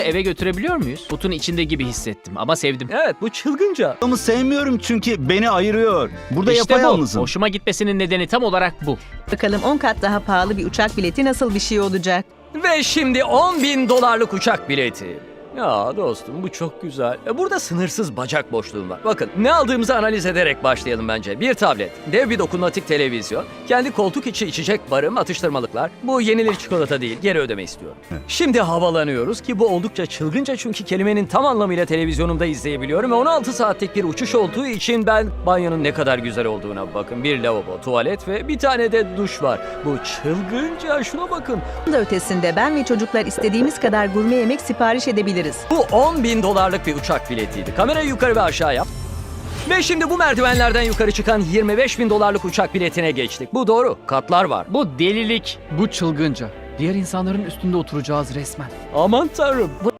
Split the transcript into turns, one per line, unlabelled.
Eve götürebiliyor muyuz? Kutun içinde gibi hissettim ama sevdim.
Evet, bu çılgınca.
Ama sevmiyorum çünkü beni ayırıyor. Burada
İşte bu.
yapayalnızım.
Hoşuma gitmesinin nedeni tam olarak bu.
Bakalım 10 kat daha pahalı bir uçak bileti nasıl bir şey olacak?
Ve şimdi $10.000 uçak bileti. Ya dostum, bu çok güzel. Burada sınırsız bacak boşluğum var. Bakın, ne aldığımızı analiz ederek başlayalım bence. Bir tablet, dev bir dokunmatik televizyon, kendi koltuk içi içecek barım, atıştırmalıklar. Bu yenilir çikolata değil, geri ödeme istiyorum. Şimdi havalanıyoruz ki bu oldukça çılgınca, çünkü kelimenin tam anlamıyla televizyonumda izleyebiliyorum. Ve 16 saatlik bir uçuş olduğu için ben banyonun ne kadar güzel olduğuna bakın. Bir lavabo, tuvalet ve bir tane de duş var. Bu çılgınca, şuna bakın.
Bunun da ötesinde ben ve çocuklar istediğimiz kadar gurme yemek sipariş edebiliriz.
Bu $10.000 bir uçak biletiydi. Kamerayı yukarı ve aşağı yap. Ve şimdi bu merdivenlerden yukarı çıkan $25.000 uçak biletine geçtik. Bu doğru. Katlar var.
Bu delilik.
Bu çılgınca. Diğer insanların üstünde oturacağız resmen.
Aman tanrım.